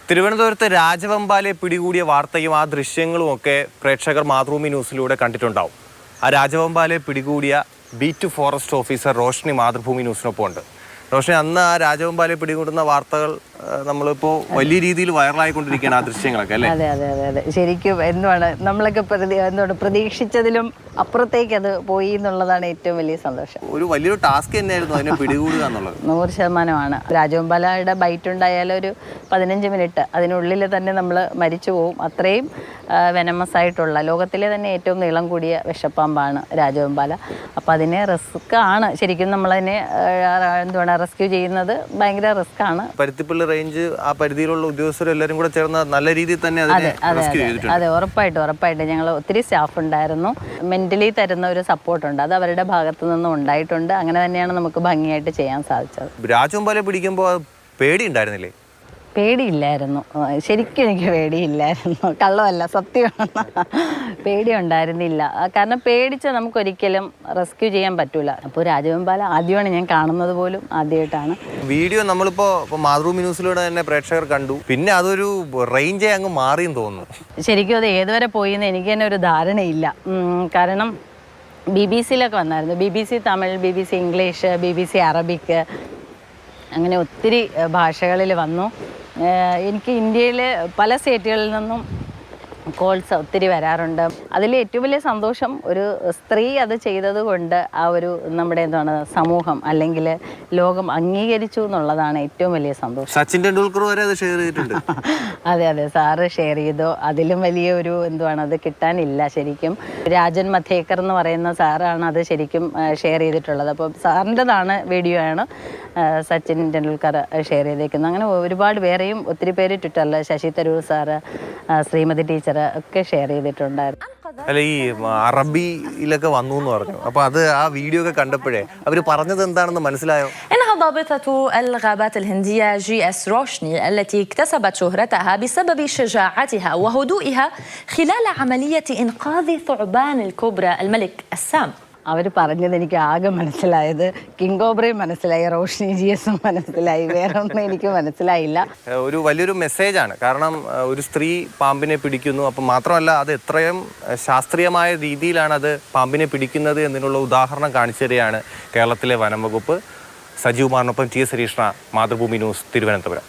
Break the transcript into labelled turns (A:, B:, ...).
A: തിരുവനന്തപുരത്ത് രാജവെമ്പാലയെ പിടികൂടിയ വാർത്തയും ആ ദൃശ്യങ്ങളും ഒക്കെ പ്രേക്ഷകർ മാതൃഭൂമി ന്യൂസിലൂടെ കണ്ടിട്ടുണ്ടാവും. ആ രാജവെമ്പാലയെ പിടികൂടിയ beat forest officer Roshni Mathrubhumi ന്യൂസിനൊപ്പം ഉണ്ട്. റോഷ്നി, അന്ന് ആ രാജവെമ്പാലയെ പിടികൂടുന്ന വാർത്തകൾ നമ്മളിപ്പോൾ വലിയ രീതിയിൽ വൈറലായിക്കൊണ്ടിരിക്കുകയാണ്, ആ ദൃശ്യങ്ങളൊക്കെ അല്ലേ?
B: അതെ അതെ അതെ അതെ ശരിക്കും എന്താണ് നമ്മളൊക്കെ പ്രതീക്ഷിച്ചതിലും അപ്പുറത്തേക്ക് അത് പോയി എന്നുള്ളതാണ് ഏറ്റവും വലിയ സന്തോഷം.
A: ഒരു വലിയൊരു ടാസ്ക് തന്നെയായിരുന്നു അതിനെ പിടികൂടുക എന്നുള്ളത്.
B: 100%. രാജവെമ്പാലയുടെ ബൈറ്റ് ഉണ്ടായാലും ഒരു 15 മിനിറ്റ് അതിനുള്ളിൽ തന്നെ നമ്മൾ മരിച്ചു പോവും. അത്രയും വെനമസ് ആയിട്ടുള്ള ലോകത്തിലെ തന്നെ ഏറ്റവും നീളം കൂടിയ വിഷപ്പാമ്പാണ് രാജവെമ്പാല. അപ്പം അതിനെ റിസ്ക് ആണ് ശരിക്കും നമ്മളതിനെ റെസ്ക്യൂ ചെയ്യുന്നത് ഭയങ്കര റിസ്ക് ആണ്.
A: പരുത്തിപ്പള്ളി റേഞ്ച് ആ പരിധിയിലുള്ള ഉദ്യോഗസ്ഥരെല്ലാവരും കൂടെ ചേർന്ന് നല്ല രീതിയിൽ തന്നെ
B: അതെ ഉറപ്പായിട്ടും ഞങ്ങൾ ഒത്തിരി സ്റ്റാഫ് ഉണ്ടായിരുന്നു. മെന്റലി തരുന്ന ഒരു സപ്പോർട്ടുണ്ട്, അത് അവരുടെ ഭാഗത്തു നിന്നും ഉണ്ടായിട്ടുണ്ട്. അങ്ങനെ തന്നെയാണ് നമുക്ക് ഭംഗിയായിട്ട് ചെയ്യാൻ സാധിച്ചത്.
A: രാജവെമ്പാലയെ പിടിക്കുമ്പോൾ പേടി ഉണ്ടായിരുന്നില്ലേ?
B: പേടിയില്ലായിരുന്നു, ശരിക്കും എനിക്ക് പേടിയില്ലായിരുന്നു, കള്ളമല്ല സത്യമാണ്. പേടി ഉണ്ടായിരുന്നില്ല, കാരണം പേടിച്ച് നമുക്കൊരിക്കലും റെസ്ക്യൂ ചെയ്യാൻ പറ്റൂല. അപ്പോൾ രാജവെമ്പാല ആദ്യമാണ് ഞാൻ കാണുന്നത്, പോലും ആദ്യമായിട്ടാണ്.
A: വീഡിയോ നമ്മളിപ്പോൾ മാതൃഭൂമി ന്യൂസിലൂടെ തന്നെ പ്രേക്ഷകർ കണ്ടു, പിന്നെ അതൊരു റേഞ്ചേ അങ്ങ് മാറിയെന്ന് തോന്നുന്നു.
B: ശരിക്കും അത് ഏതുവരെ പോയിന്ന് എനിക്ക് തന്നെ ഒരു ധാരണയില്ല. കാരണം BBC-യിലൊക്കെ വന്നായിരുന്നു, BBC Tamil, BBC English, BBC Arabic, അങ്ങനെ ഒത്തിരി ഭാഷകളിൽ വന്നു. എനിക്ക് ഇന്ത്യയിലെ പല സ്റ്റേറ്റുകളിൽ നിന്നും കോൾസ് ഒത്തിരി വരാറുണ്ട്. അതിൽ ഏറ്റവും വലിയ സന്തോഷം ഒരു സ്ത്രീ അത് ചെയ്തത് കൊണ്ട് ആ ഒരു നമ്മുടെ സമൂഹം അല്ലെങ്കിൽ ലോകം അംഗീകരിച്ചു എന്നുള്ളതാണ് ഏറ്റവും വലിയ സന്തോഷം.
A: സച്ചിൻ ടെണ്ടുൽക്കർ വരെ അത് ഷെയർ ചെയ്തിട്ടുണ്ട്.
B: അതെ സാറ് ഷെയർ ചെയ്തു. അതിലും വലിയ ഒരു അത് കിട്ടാനില്ല ശരിക്കും. രാജൻ മധേക്കർ എന്ന് പറയുന്ന സാറാണ് അത് ശരിക്കും ഷെയർ ചെയ്തിട്ടുള്ളത്. അപ്പോൾ സാറിൻ്റെതാണ് വീഡിയോ ആണ് സച്ചിൻ ടെണ്ടുൽക്കർ ഷെയർ ചെയ്തേക്കുന്നത്. അങ്ങനെ ഒരുപാട് വേറെയും ഒത്തിരി പേര് ട്വിറ്ററിൽ ശശി തരൂർ സാറ്, ശ്രീമതി ടീച്ചർ ഒക്കെ ഷെയർ ചെയ്തിട്ടുണ്ടായിരുന്നു.
A: അല്ല, ഈ അറബിയിലൊക്കെ വന്നു എന്ന് പറഞ്ഞു, അപ്പൊ അത് ആ വീഡിയോ ഒക്കെ കണ്ടപ്പോഴേ അവര് പറഞ്ഞത് എന്താണെന്ന് മനസ്സിലായോ?
C: ضابطة الغابات الهندية GS روشني التي اكتسبت شهرتها بسبب شجاعتها وهدوئها خلال عملية إنقاذ ثعبان الكوبرا الملك السام.
B: അവർ പറഞ്ഞത് എനിക്ക് ആകെ മനസ്സിലായത് കിങ് കോബ്രയും മനസ്സിലായി, റോഷ്നി GS മനസ്സിലായി, വേറെ ഒന്നും എനിക്ക് മനസ്സിലായില്ല.
A: ഒരു വലിയൊരു മെസ്സേജാണ്, കാരണം ഒരു സ്ത്രീ പാമ്പിനെ പിടിക്കുന്നു, അപ്പം മാത്രമല്ല അത് എത്രയും ശാസ്ത്രീയമായ രീതിയിലാണ് അത് പാമ്പിനെ പിടിക്കുന്നത് എന്നതിനുള്ള ഉദാഹരണം കാണിച്ചു തരികയാണ് കേരളത്തിലെ വനം വകുപ്പ്. സജീവ് കുമാറിനൊപ്പം TS ഹരീഷ്ണ, മാതൃഭൂമി ന്യൂസ്, തിരുവനന്തപുരം.